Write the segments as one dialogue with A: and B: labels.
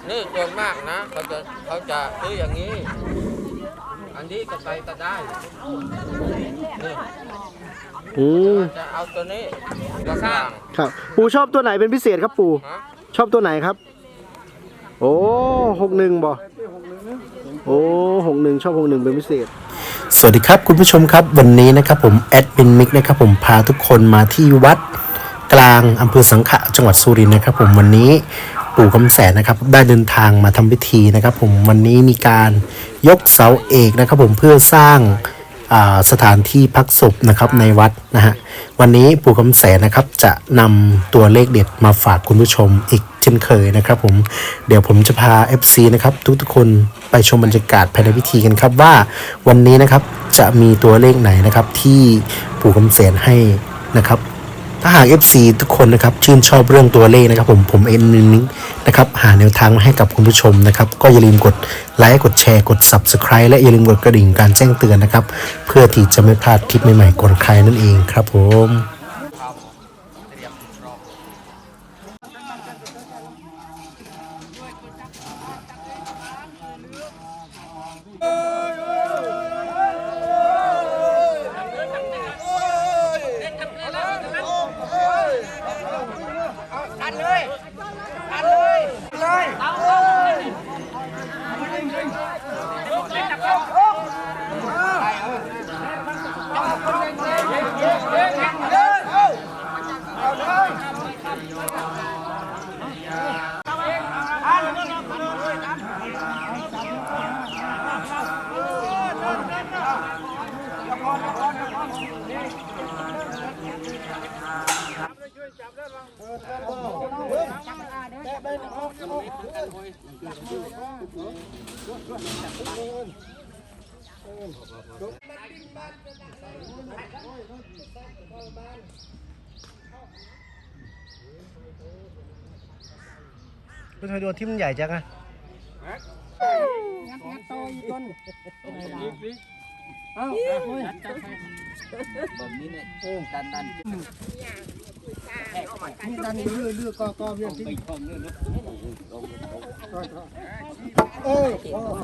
A: นี่ส่วนมากนะเขาจะซื้ออย่างนี้อันนี้ก็ใส่ก็ได้นี่จะเอาตัวนี้กระข้าง
B: ครับปู่ชอบตัวไหนเป็นพิเศษครับปู่ชอบตัวไหนครับโอ้61บ่โอ้61ชอบ61เป็นพิเศษสวัสดีครับคุณผู้ชมครับวันนี้นะครับผมแอดมินมิกนะครับผมพาทุกคนมาที่วัดกลางอำเภอสังขะจังหวัดสุรินทร์นะครับผมวันนี้ปู่คำแสนนะครับได้เดินทางมาทำพิธีนะครับผมวันนี้มีการยกเสาเอกนะครับผมเพื่อสร้างสถานที่พักศพนะครับในวัดนะฮะวันนี้ปู่คำแสนนะครับจะนำตัวเลขเด็ดมาฝากคุณผู้ชมอีกเช่นเคยนะครับผมเดี๋ยวผมจะพา FC นะครับทุกๆคนไปชมบรรยากาศภายในพิธีกันครับว่าวันนี้นะครับจะมีตัวเลขไหนนะครับที่ปู่คำแสนให้นะครับถ้าหาก FC ทุกคนนะครับชื่นชอบเรื่องตัวเลขนะครับผมเอ็นนิ้งนะครับหาแนวทางมาให้กับคุณผู้ชมนะครับก็อย่าลืมกดไลค์กดแชร์กด Subscribe และอย่าลืมกดกระดิ่งการแจ้งเตือนนะครับเพื่อที่จะไม่พลาดคลิปใหม่ๆก่อนใครนั่นเองครับผมคุณทำไมโดนที่มันใหญ่จังอะ
C: งัดโตอยู่ต้นเอาแบบนี้เนี่ยดันนี่ดันเรื่อยก็เรื่องที่เอ้ย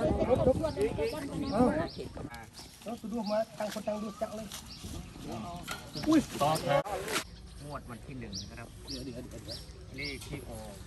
C: เอาสะดวกมาตั้งคนตั้งดูจักเลยอุ้ยต่อแถวงวดวันที่1นะครับเดี๋ยวเลขที่ออก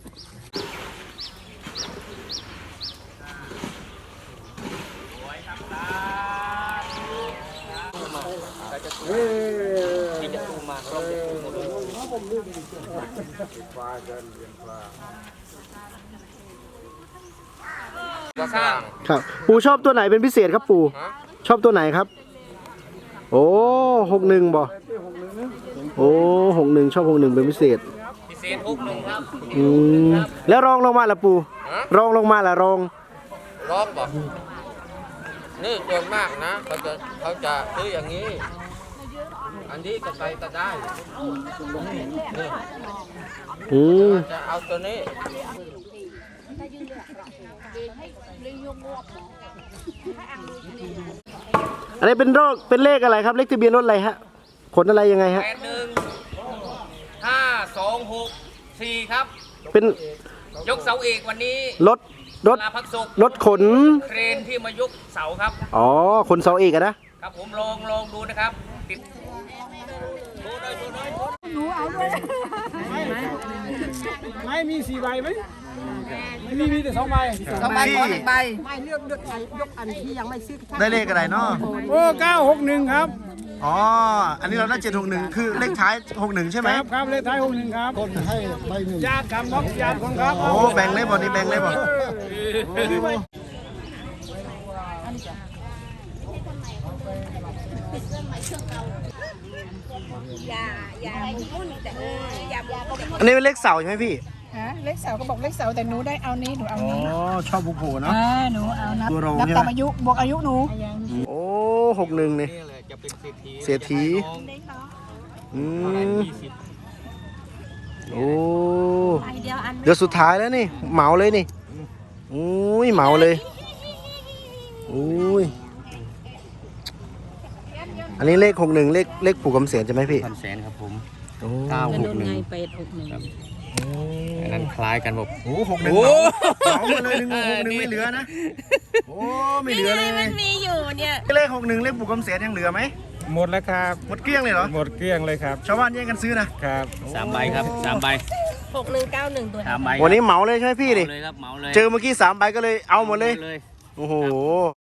A: กระข้าง
B: ครับปู่ชอบตัวไหนเป็นพิเศษครับปู่ชอบตัวไหนครับโอ้61บ่โอ้61ชอบ61เป็นพิเศษ
A: 61ครับ
B: แล้วรองลงมาล่ะปู่รองลงมาล่ะรอง
A: บอกนี่ส่วนมากนะเขาจะซื้ออย่างนี้อันนี้ก็ใส่ก็ได้นี่จะเอาตัวนี้
B: อันนี้เป็นเลขอะไรครับเลขทะเบียนรถอะไรฮะขนอะไรยังไงฮะ
A: 81526 4ครับ
B: เป็น
A: ยกเสาเอกวันนี้
B: รถขน
A: เครนที่มายกเสาครับ
B: อ๋อขนเสาเอกอะ
A: นะครับผมลองดูนะครับติด
C: หนูเอาด้วยไม่มี4 ใบไหมไม่มีแต่2 ใบ
B: 2 ใบขอ1 ใบ
C: ไม่เลือกยกอันที่ยังไม่ซื้อ
B: ได้เลขอะไรเนาะ
C: โอ้961ครับ
B: อ๋ออันนี้เราได้761คือเลขท้าย61ใช่ไหม
C: ครับเลขท้าย61ครับคนให้ใบ1ญาติครับน้องญาติคนครับ
B: โอ้แบ่งเลยบ่นี่แบ่งเลยบ่อันนี้เป็นเลขเสาใช่ไหมพี่
D: เลขเสาก็บอกเลขเสาแต่หนูได้เอานี้หนูเอานี้
B: อ๋อชอบบุกโผเนาะ
D: หนูเอานับตามอายุบวกอายุหนู
B: โอ้61นี่
A: จะเป็น
B: เศรษฐีโอ้เดี๋ยวสุดท้ายแล้วนี่เหมาเลยนี่อุ้ยเหมาเลยอุ้ยอันนี้เลข61เลขปู่คำแสนใช่ไหมพี่
A: คำแสนครับผม
B: 961
D: 861
C: อันนั้นคล้ายกันบอก
B: โอ้61เหมามาเลย61ไม่เหลือนะโอ้ไม่เหลือเลย
E: มันมีอยู่เนี่ย
B: เลข61เลขปู่คำเสียนยังเหลือไหม
F: หมดแล้วครับ
B: หมดเกลี้ยงเลยเหรอ
F: หมดเกลี้ยงเลยครับ
B: ชาวบ้านแย่งกันซื้อนะครับ
C: 3 ใบครับ 3 ใบ
E: 6191 ตัว
C: 3 ใบ
B: วันนี้เหมาเลยใช่ไหมพี่ดิ
C: เลยครับเหมาเลย
B: เจอเมื่อกี้3 ใบก็เลยเอาหมดเลย
C: เลย
B: โอ้โห